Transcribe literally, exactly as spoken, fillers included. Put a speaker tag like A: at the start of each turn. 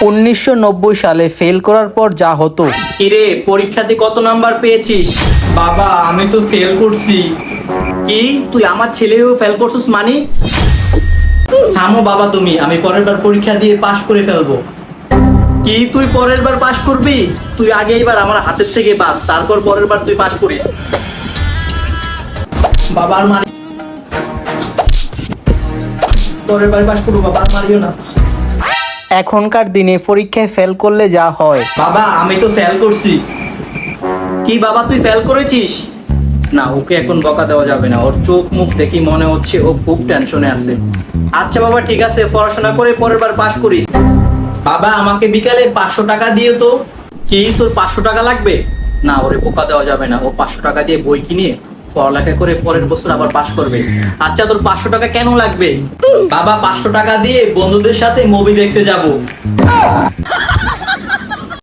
A: উনিশশো নব্বই সালে ফেল করার পর যা হতো।
B: কিরে, পরীক্ষাতে কত নাম্বার পেয়েছিস?
A: বাবা আমি তো ফেল করছি।
B: কি, তুই আমার ছেলেও ফেল করছিস মানে?
A: থামো বাবা তুমি, আমি পরের বার পরীক্ষা দিয়ে পাশ করে ফেলবো।
B: কি, তুই পরের বার পাশ করবি? তুই আগে এবার আমার হাতের থেকে বাস, তারপর পরের বার তুই পাশ করিস।
A: বাবার মানে পরের বার পাশ করবো, বাবার মারিও না। এখনকার দিনে পরীক্ষায় ফেল করলে যা হয়। বাবা আমি তো ফেল করছি।
B: কি বাবা, তুই ফেল করেছিস? না, ওকে এখন বকা দেওয়া যাবে না, ওর চোখ মুখ দেখি মনে হচ্ছে ও খুব টেনশনে আছে। আচ্ছা বাবা ঠিক আছে, পড়াশোনা করে পরের বার পাশ করিস।
A: বাবা আমাকে বিকালে পাঁচশো টাকা দিও তো।
B: কি, তোর পাঁচশো টাকা লাগবে? না, ওরে বোকা দেওয়া যাবে না, ও পাঁচশো টাকা দিয়ে বই কিনে পড়ালেখা করে পরের বছর আবার পাশ করবে। আচ্ছা, তোর পাঁচশো টাকা কেন লাগবে?
A: বাবা পাঁচশো টাকা দিয়ে বন্ধুদের সাথে মুভি দেখতে যাব।